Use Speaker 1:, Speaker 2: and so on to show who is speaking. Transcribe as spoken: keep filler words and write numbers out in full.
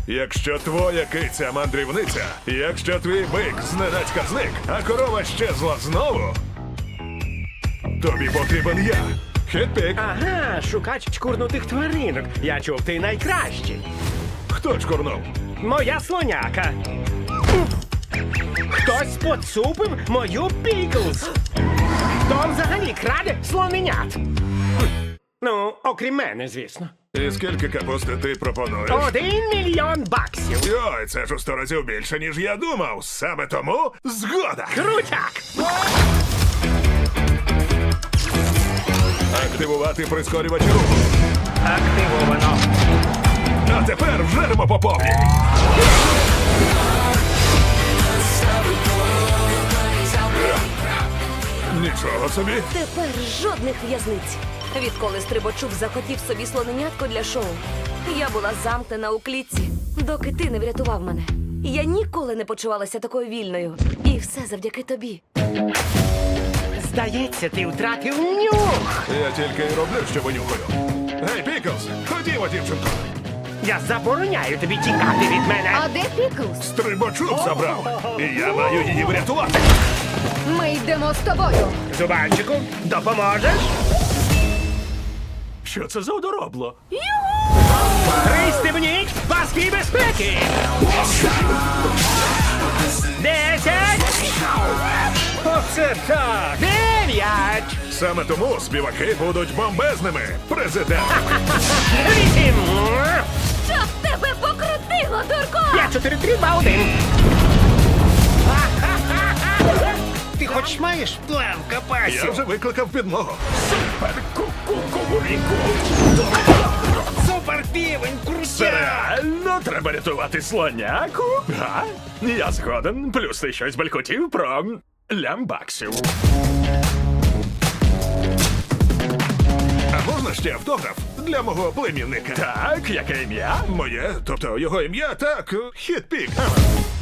Speaker 1: Якщо твоя киця мандрівниця, якщо твій бик зненацька зник, а корова щезла знову, тобі потрібен я. Хетпік.
Speaker 2: Ага, шукач чкурнутих тваринок. Я чув, ти найкращий.
Speaker 1: Хто чкурнув?
Speaker 2: Моя слоняка. Хтось поцупив мою Піклз. Хто взагалі краде слоненят? Ну, окрім мене, звісно.
Speaker 1: І скільки капусти ти пропонуєш?
Speaker 2: Один мільйон баксів.
Speaker 1: Йой, це ж у сто разів більше, ніж я думав. Саме тому згода.
Speaker 2: Крутяк!
Speaker 1: Активувати прискорювач руху.
Speaker 2: Активовано.
Speaker 1: А тепер вжеремо по повній. Нічого собі.
Speaker 3: Тепер жодних в'язниць. Відколи Стрибачук захотів собі слоненятко для шоу, я була замкнена у клітці, доки ти не врятував мене. Я ніколи не почувалася такою вільною. І все завдяки тобі.
Speaker 2: Здається, ти втратив нюх.
Speaker 1: Я тільки й роблю, що винюхаю. Гей, Піклз, ходімо, дівчинко.
Speaker 2: Я забороняю тобі тікати від мене.
Speaker 4: А де Піклз?
Speaker 1: Стрибачук забрав. І я маю її врятувати.
Speaker 4: Ми йдемо з тобою.
Speaker 2: Зубанчику, допоможеш? Що це за одоробло? Пристебніть паски безпеки! Десять! Оце так! Дев'ять!
Speaker 1: Саме тому співаки будуть бомбезними, президент.
Speaker 2: Вісім!
Speaker 3: Щоб тебе покрутило, дурко!
Speaker 2: П'ять, чотири, три, два, один! Ти хоч маєш план в
Speaker 1: Я
Speaker 2: капасі?
Speaker 1: вже викликав підмогу.
Speaker 2: Супер півень, крутяк!
Speaker 5: Реально треба рятувати слоняку? Га? Я згоден. Плюс ти щось балькотів про лямбаксів.
Speaker 1: А можна ще автограф для мого племінника?
Speaker 5: Так, яке ім'я?
Speaker 1: Моє, тобто його ім'я, так, Хетпік. Ага.